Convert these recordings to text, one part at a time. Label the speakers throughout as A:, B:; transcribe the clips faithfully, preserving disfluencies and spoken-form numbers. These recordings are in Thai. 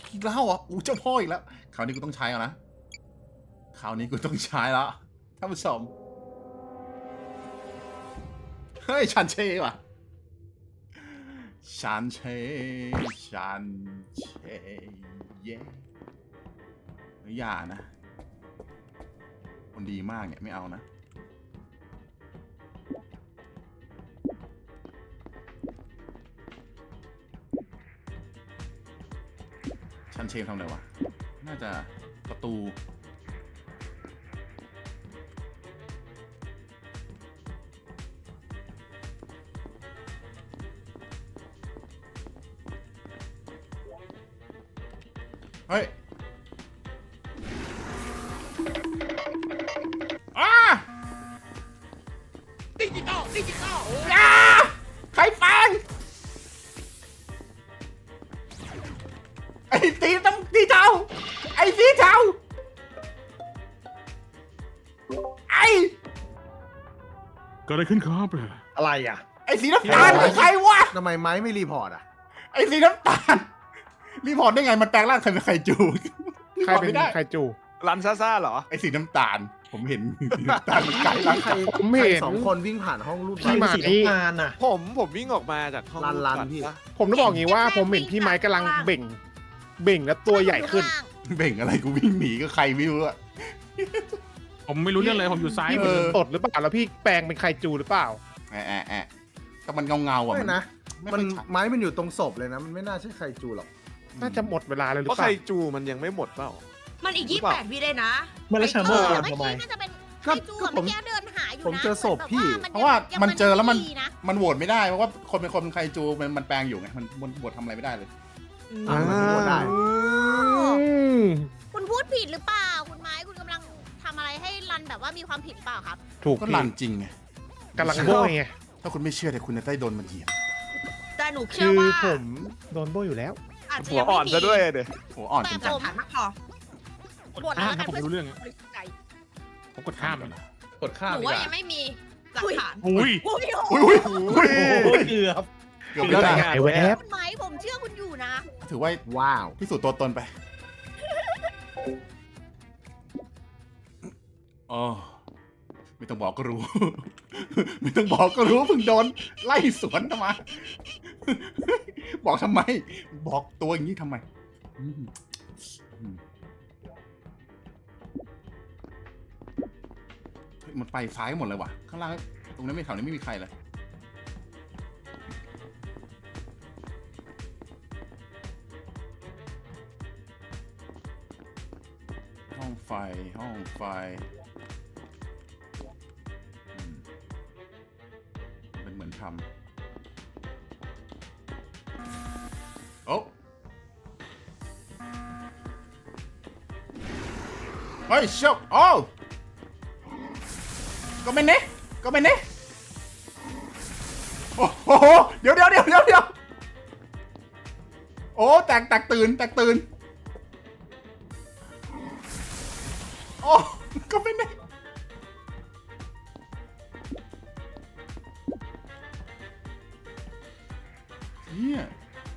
A: อีกแล้วอ่ะอู้เจ้าพ่ออีกแล้วคราวนี้กูต้องใช้แล้วนะคราวนี้กูต้องใช้แล้วท่านผู้ชมเฮ้ยชันเช่ว่ะชันเช่ชันเช่เย่อย่านะคนดีมากเนี่ยไม่เอานะชันเชฟทำอะไรวะน่าจะประตูเฮ้ยอ้าดิจิตอลดิจิตอลอ้าใครฟังไอ้ตีต้องตีเทาไอ้สีเทาไอ้
B: เกิดอะไรขึ้นครับ
C: อะไรอ่ะ
A: ไอ้สีน้ำตาลคือใครวะ
C: ทำไมไม้ไม่รีพอร์ตอ่ะ
A: ไอ้สีน้ำตาลรีพอร์ตได้ไงมันแปลงร่างใครเป็นใครจู
D: ใครเป็นใครจู
E: รันซ่าซ่าเหรอ
A: ไอ้สีน้ำตาลผมเห็นสีน้ำตาลมันไกลร่าง
C: ใคร
D: ผม
C: ใคร
D: เห็น
C: สองคนวิ่งผ่านห้องรูป
D: พี่หมา
C: สี
D: นี่
C: น้ำตาลน่ะ
E: ผมผมวิ่งออกมาจากห้อง
C: รันรัน
E: ก่อ
C: พี่
E: ปะ
D: ผมต้องบอกงี้ว่าผมเห็นพี่ไม้กำลังเบ่ง เบ่งแล้วตัวใหญ่ขึ้น
A: เบ่งอะไรกูวิ่งหนีก็ใครไม่รู้อะ
B: ผมไม่รู้เรื่องเลยผมอยู่ซ้าย
D: พี่
B: มื
D: เหมือน
B: อ
D: ตดหรือเปล่าแล้วพี่แปลงเป็นใครจูหรือเปล่า
A: แอะแอะแอะก็มันเงาเงาๆอ่ะ
C: ไม่นะ
A: ไม่
C: มัน
A: ค่อยชัด
C: ไม้มันอยู่ตรงศพเลยนะ มันไม่น่าใช่ใครจูหรอก
D: น่าจะหมดเวลาเลยหรื
E: เพ
D: อ
E: ราะ
D: เป
E: ใคร
D: ล่า
E: จูมันยังไม่หมดเปล่า
F: มันอีก
E: หรือ
F: ยี่
E: เปล่า
F: แปดวิเลยนะ
G: ไม่แล้วชาโม่
F: เออ
G: ทำไม
F: เมื่อกี้น่าจะเป็น
C: ก็
F: ไอจู
C: ก็
F: อะ
C: ผม
F: เมื่อกี้เดินหาอยู่นะ
C: ผมเจอศพพี่
A: เพราะว่ามันเจอแล้วมัน
F: ดีนะ
A: มันโหวตไม่ได้เพราะว่าคนเป็นคนเป็นใครจูมันมันแปลงอยู่ไงมันมันโหวตทำอะไรไม่ได้เลย
C: อ่ามันไม่หมดได้
D: อืม
F: คุณพูดผิดหรือเปล่า คุณไม้คุณกำลังทำอะไรให้รันแบบว่ามีความผิดหรือเปล่าครับ
D: ถูก
A: ก็
D: พี่
A: ลันจริงไง
D: กำลังโบยไง
A: ถ้าคุณไม่เชื่อเดี๋ยวคุณจะได้โดนมันเหยียบ
F: แต่หนูเชื่
D: คือ อ
F: ว่า
D: ผมโดนโบยอยู่แล้ว
F: อาจจะ
E: หัว
F: ยัง
E: อ่อน
F: ไม่
E: ซะด้วยเดี๋ย
A: หัวอ่อนจ
F: แต่
A: ริง
F: ผมมากพอหมด
B: อ่า
F: แล้ว
B: ถ้าผมไม่รู้เรื่อง
F: ใจ
B: ผมกดข้าม
A: ๆ
B: เลย
G: กดข้าม
F: หนู
G: ดีก
F: ว่า
G: ว่า
F: ยังไม่มีหลักฐาน
B: อุ้ย
F: อุ้ย
A: อุ้ยอุ้ยอุ้ย
G: โอ้ยเกือบ
A: เกือบไม่ได้
D: ไอ้แวบ
F: คุณไม้ผมเชื่อคุณอยู่นะ
A: ถือว่า
C: ว้าว
A: พิสูจน์ตัวตนไปอ๋อไม่ต้องบอกก็รู้ ไม่ต้องบอกก็รู้เพิ่งโดนไล่สวนมา บอกทำไม บอกตัวอย่างนี้ทำไมอืมอืมเฮ้ยมันไปซ้ายหมดเลยว่ะ ข้างล่างตรงนั้นไม่แถวนี้ไม่มีใครเลย ห้องไฟ ห้องไฟอืมเป็นเหมือนทำโอ้เฮ้ยชกโอ้ก็ไม่เนะก็ไม่เนะโอ้โหเดี๋ยวเดี๋ยวเดี๋ยวเดี๋ยวเดี๋ยวโอ้แตกแตกตื่นแตกตื่นโอ้ก็ไม่เนะเฮีย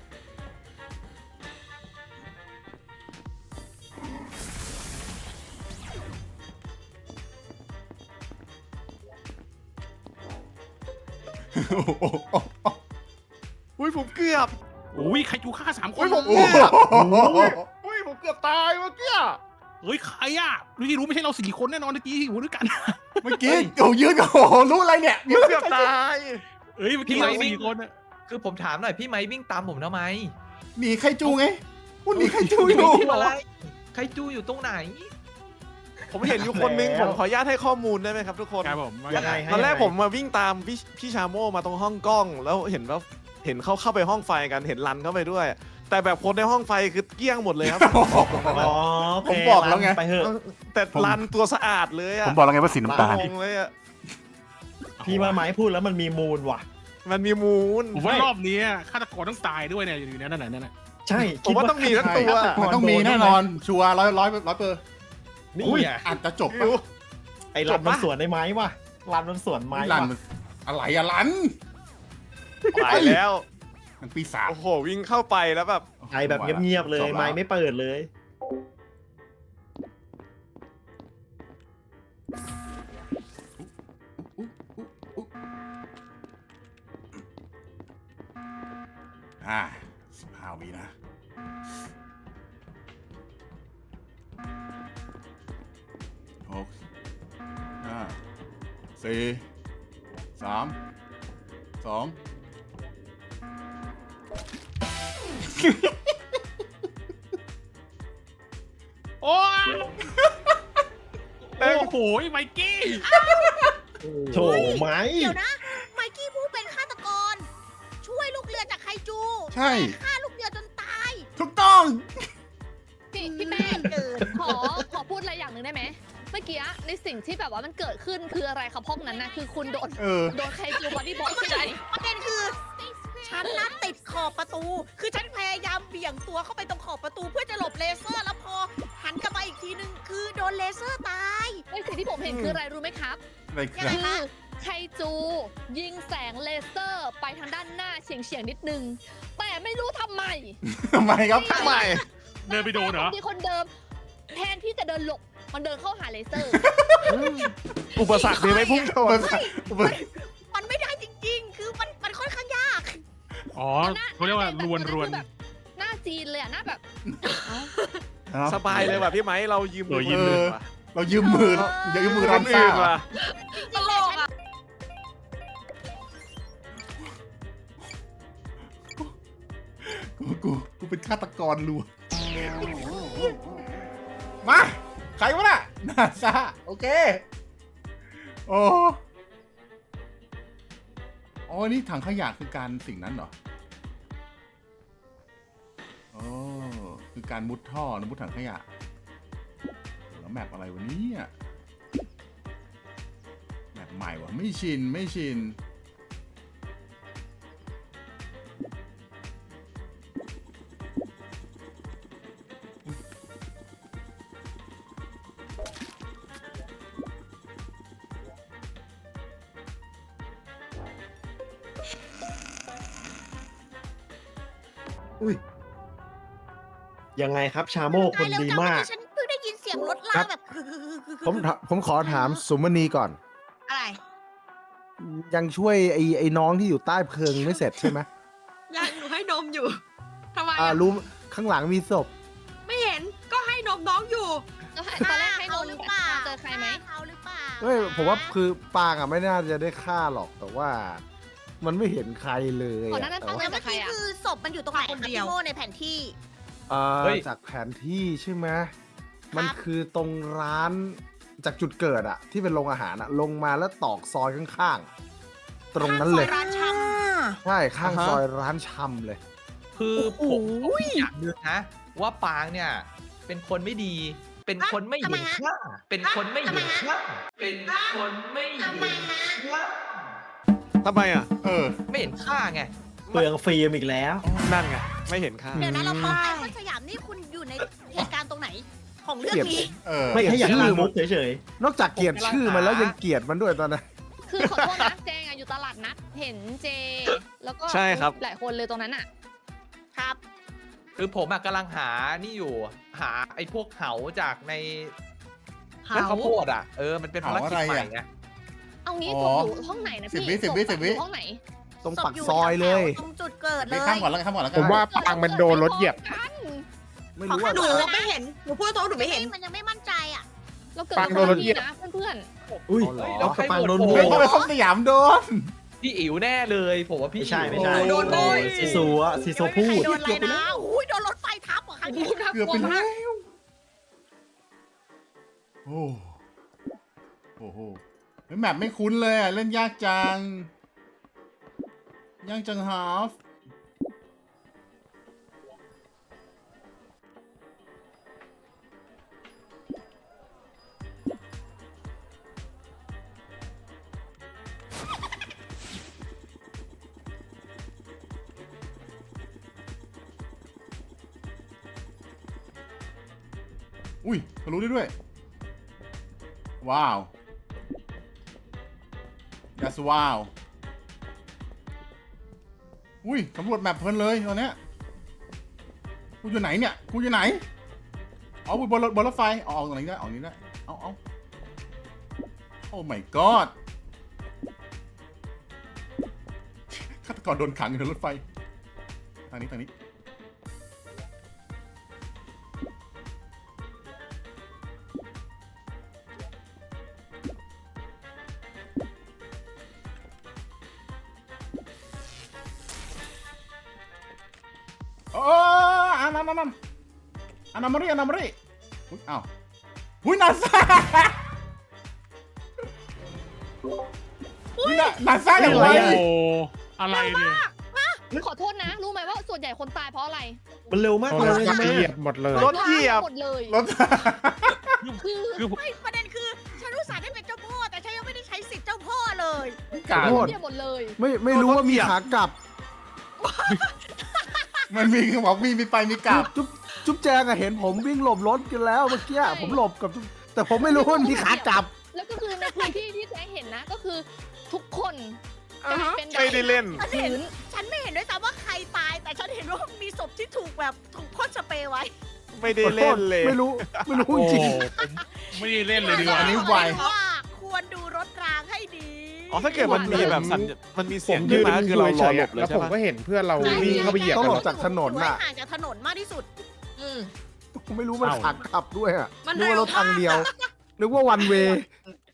E: อุ้ยผมเกือบ
B: อุ้ยใครจูฆ่าสามคน
E: อุ้ยผม
A: โอ้
E: เกือบ
A: โห
E: อุ้ยผมเกือบตายเมื่อกี้
B: เฮ้ยใครอ่ะรู้ที่รู้ไม่ใช่เราสี่คนแน่นอนเมื่อกี้อยู่ด้วยกัน
A: เมื่อกี้โอ้ยืนกับโอ้โหรู้อะไรเนี่ย
E: เกือบตาย
B: เฮ้ยเมื่อกี้เราสี่คนอะ
G: คือผมถามหน่อยพี่ไม้วิ่งตามผมทำไม
A: หนีใครจูไงพูดหนีใครจูอยู่
G: อะไรใครจูอยู่ตรงไหน
E: ผมเห็นอยู่คนนึง
G: แล้ว
E: ผมขออนุญาตให้ข้อมูลได้ไหมครับทุกคน
B: ครับผม
G: ยังไง
E: ตอนแรกผมมาวิ่งตามพี่พี่ชาโม่มาตรงห้องกล้อง แล้วเห็นว่าเห็นเขาเข้าไปห้องไฟกันเห็นรันเข้าไปด้วย แต่แบบคนในห้องไฟคือเกลี้ยงหมดเลยครับ
G: อ๋อ
A: ผมบอกแล้วไง
G: ไปเถอะ
E: แต่รันตัวสะอาดเลยอะ
A: ผมบอกแล้วไงว่าสีน้ำตาล
E: งงเลยอะ
G: พี่ว่าไม้พูดแล้วมันมีมูลว่ะ
E: มันมีมูล
B: ผมว่ารอบนี้ฆาตกรต้องตายด้วยเนี่ยอยู่ในนั้นน่ะนั่นน่ะ
G: ใช่
E: ผมว่าต้องมีทั้งตัว
A: มันต้องมีแน่นอน ชัวร์ร้อยร้อยร้อยเปอร์
G: นี่
A: อุ้ย
G: อ่ะ
A: อาจจะจบ
E: ไม่รู้
A: ปะ
G: ไอ้รันมันสวนได้ไม้ว่ะรันมันสวนไม้
A: ลัน
G: ว่ะ
A: อะไรอะลัน
E: ตายแล้ว
A: มันปีศาจ
E: โอ้โหวิ่งเข้าไปแล้วแบบ
G: ไอแบบเงียบๆเลย
A: จบแว
G: ไม้ไม่เปิดเลย
A: อุ๊อุ๊อุ๊อ่าสิบห้าวินะหกห้าสี่สามสอง
B: โอ้ยโอ้โหไมกี้
G: โถไม้
F: เดี๋ยวนะ ไมกี้ผู้เป็นฆาตกร ช่วยลูกเรือจากไคจู
A: ใช่
F: ฆ่าลูกเรือจนตาย
A: ถูกต้อง
H: พี่พี่แป้ง
F: เกิน
H: ขอขอพูดอะไรอย่างหนึ่งได้ไหมเมื่อกี้ในสิ่งที่แบบว่ามันเกิดขึ้นคืออะไรครับห้องนั้นนะคือคุณโดน
A: เออ
H: โดนใครจูบอดี้บล็อกใช่ไหม
F: ประเด็นคือ ฉันนัดติดขอบประตู คือฉันพยายามเบี่ยงตัวเข้าไปตรงขอบประตูเพื่อจะหลบเลเซอร์ แล้วพอหันกลับมาอีกทีนึงคือโดนเลเซอร์ตาย
H: ในสิ่งที่ผมเห็นคืออะไรรู้ไหมครับ
A: อะไรคือ
F: ยังไง
H: คือไคจู ยิงแสงเลเซอร์ไปทางด้านหน้าเฉียงเฉียงๆนิดนึง แต่ไม่รู้ทำไม
A: ทำไมครับ
E: ทำไม
B: เดินไปโดนเหรอ
H: ที่คนเดิม แทนที่จะเดินหลบ มันเดินเข้าหาเลเซอร์
E: อุปสรรคมีไหมพุ่งชน
F: มันไม่ได้จริง ๆ คือมันมันค่อนข้างยาก
B: อ๋อเขาเรียกว่ารวนรวน
H: แบบหน้าจีนเลยอะหน้าแบบ
E: สบายเลยว่ะพี่ไม้เรายืมมือ
B: เออยืม
E: คน
B: มือ
E: อื่นว่ะ
A: เรายืมมืออย่ายืมมือ
E: ค
A: รั
E: น
A: นซ่า
E: อื่นว่ะ
F: ตลกอ่ะ
A: กูกูกูเป็นฆาตกรลวงมา ใครวะน่ะนาซาโอเค โอ้อ๋อนี่ถังขยะคือการสิ่งนั้นเหรอโอ้คือการมุดท่อนะมุดถังขยะ แล้วแมปอะไรวะเนี่ยแมปใหม่วะไม่ชินไม่ชิน
C: อุ้ย
G: ยังไงครับชาโมกคนดีมาก
F: ฉันเพิ่งได้ยินเสียงรถลา
C: ครับ
F: แบบ
C: ผมถผมขอถามสุมณีก่อน
F: อะไร
C: ยังช่วยไอ้ไอ้น้องที่อยู่ใต้เพลิงไม่เสร็จใช่ไหม
I: ยังหนูให้นมอยู่ ทำไม
C: อ่า
I: อะ
C: รู้ข้างหลังมีศพ
I: ไม่เห็น ก็ให้นมน้องอยู่
H: แล้วตอนแรกให้น
F: เขา
H: น
F: หรือ
H: ท์
F: เปล่า
H: เจอใครไหม
F: เขาหรือเปล่า
C: เฮ้ยผมว่าคือปางอ่ะไม่น่าจะได้ฆ่าหรอกแต่ว่า มันไม่เห็นใครเลย
H: ก่อนห
C: อะ
H: น้านั้น
C: แต่
H: ปัง
C: ว่า
H: เดิน
F: เมื่
H: กั
F: อบ
H: ใคร
F: กี้
H: อะ
F: คือศพมันอยู่ตรงไหน
I: คน
F: คะ
I: เดียว
F: พี่โมในแผนที่
C: เอ่อ
G: เฮ้ย
C: จากแผนที่ใช่ไหมมันคือตรงร้านจากจุดเกิดอะที่เป็นโรงอาหารอะลงมาแล้วตอกซอยข้างๆ ตรงนั้นเลย
F: ข้างซอร้านชำ
C: ใช่ข้างซอยร้านชำเลย
J: คือผมผมอยากดูนะ ว่าปางเนี่ย เป็นคนไม่ดี เป็นคนไม่เห็นค่า เป็นคนไม่เห็นค่า เป็นคนไม่เห็นค่า
E: ทำไมอ่ะ
A: เออ
J: ไม่เห็นค่าไง
G: เปลืองฟิล์มอีกแล้ว
E: นั่นไง ไม่เห็นค่า
F: เดี๋ยวนะเราพบไอคอนสยามนี่คุณอยู่ในเหตุการณ์ตรงไหน ของเรื่องนี้
A: เออ
C: ไม่
G: แค่อยาก
C: ชื่อ
G: ลามุกเฉย
C: นอกจากเกลียดชื่อมันแล้วยังเกลียดมันด้วยตอนนั้น
H: คือขอโทษนะแจงอะอยู่ตลาดนัดเห็นเจ แล้วก็
E: ใช่ครับ
H: หลายคนเลยตรงนั้นอะ
F: ครับ
J: คือผมอะกำลังหานี่อยู่ หาไอ้พวกเหาจากใน
I: เหา
J: ข้าวโพดอ่ะ เออ มันเป็นภารกิจ
A: เหาอะไร
J: ใหม่
A: อะ
J: ไง
H: เอางี้
A: อ๋
H: ศ
A: อ
H: พอยู่ห้องไหนนะ
A: สิบ
H: พี่
A: วิสิบวิ
H: ศพ
A: สิบวิ
H: อยู่ห้องไหน
C: ตรง
F: ศพ
C: ปัก
F: อยู่
C: ซอยเลย
F: ตรงจุดเกิดเล
A: ไป
F: ย
A: ข้ามก่อนแล้วกันข้ามก่อนแล้ว
D: ผ
A: กัน
D: มว่าปังมันโดนรถเหยียบ
H: กัน
C: ไม่รู้ว่า
I: หนูไม่เห็น หนูพูดตรงๆหนูไม่เห็น
F: มันยังไม่มั่นใจอ่ะ
H: เราเกิด
D: ปังโดนรถเหยียบ
H: นะเพื่อน
C: ๆอุ้ย
G: ๆเหรอ
J: แล้วใคร
G: ปังโดน
J: โห
G: โห
J: ว
A: เฮ้ย
J: ต
A: ทำไมเขาสยามโดน
J: พี่อิ๋วแน่เลย ผมว่าพี่
G: ไม่ใช่
J: อิ๋ว
G: ไม่ใช่
I: โดนโบย
G: ซีซัวซีซัวพู
F: ใคร
G: ด
F: โดนอะไรนะอุ้ยโดนรถไฟทับเหรอครั้งนี้
H: ๆ
A: เกือบไปแล้ว โอ้โอ้โหเฮ้ยแมปไม่คุ้นเลยอ่ะ เล่นยากจัง ยากจังฮาฟอุ้ยทะลุได้ด้วย ว้าว yes ว้าวอุ้ยสำรวจแมปเพลินเลยตอนเนี้ยกูอยู่ไหนเนี่ยกูอยู่ไหนเอาบนรถบนรถไฟเอาเอาตรงนี้ได้เอาตรงนี้ได้เอาเอาโอ้ my god ฆาตกรโดนขังอยู่ในรถไฟทางนี้ทางนี้โอ้อานานานาอานามารีอานามารีอุ้ยอ้าวอุ้ยนาซาอุ้ยนานาซาอย่างไร
B: โอ้โหอะไรเนี่ย
H: ขอโทษนะ รู้ไหมว่าส่วนใหญ่คนตายเพราะอะไร
G: มันเร็วมาก
D: ร
G: เลย
D: ถ
G: ใช่ไหม
D: เหยียบหมดเลย
E: รถเหยียบ
H: หมดเลย
A: รถ
H: คือ
B: คือ
F: ไม่ประเด็นคือฉันรู้สาห์ได้เป็นเจ้าพ่อแต่ฉันยังไม่ได้ใช้สิทธิ์เจ้าพ่อเลย
A: กา
C: โทษ
H: เหยียบหมดเลย
C: ไม่ไม่รู้ว่ามีขากลับ
A: มันมีบอกมีมีไปมีกลับ
C: จุ๊บจุ๊บแจงอะเห็นผมวิ่งหลบรถกันแล้วเมื่อกี้ผมหลบกับจุ๊บแต่ผมไม่รู้ว่ามีขากลับ
H: แล้วก็คือในพื้นที่ที่แจ๊เห็นนะก็คือทุกคนกลายเป็น
E: ไม่ได้เล่น
F: ฉันเห็นฉันไม่เห็นด้วยซ้ำว่าใครตาย แต่ฉันเห็นว่ามีศพที่ถูกแบบถูกพ่นสเปรย์ไว้
E: ไม่ได้เล่นเลย
C: ไม่รู้ไม่รู้
B: โอ้
C: จริง
B: ผมไม่ได้เล่นเลยดีกว่า
A: อันนี้ไว
F: ว่าควรดูรถรางให้ดี
E: อ๋อถ้าเกิดมันมีแบบสัญมันมี
D: ผ
E: เสียง
D: ม
E: ขึ้
D: ยื
E: น
D: น
E: มาก็คือเราร
D: เฉ
E: อย หล
D: ๆอะ
E: บเลย
D: แล้ว
E: ใช่
D: ผม
E: ปะ
D: ก็เห็นเพื่อนเราวิ่งเข้าไปเหยียบ
C: ต้อง
D: กัน
C: หล
D: แล้
C: บ
D: ว
C: จากถนน
F: ไว้
C: น่ะ
F: ห่างจากถนนมากที่สุด
I: อืม
C: ผมไม่รู้มันขากลับด้วยอะ
I: มัน
C: นึก
I: เร็
C: ว่าว รถทางเดียวนึกว่าวันเว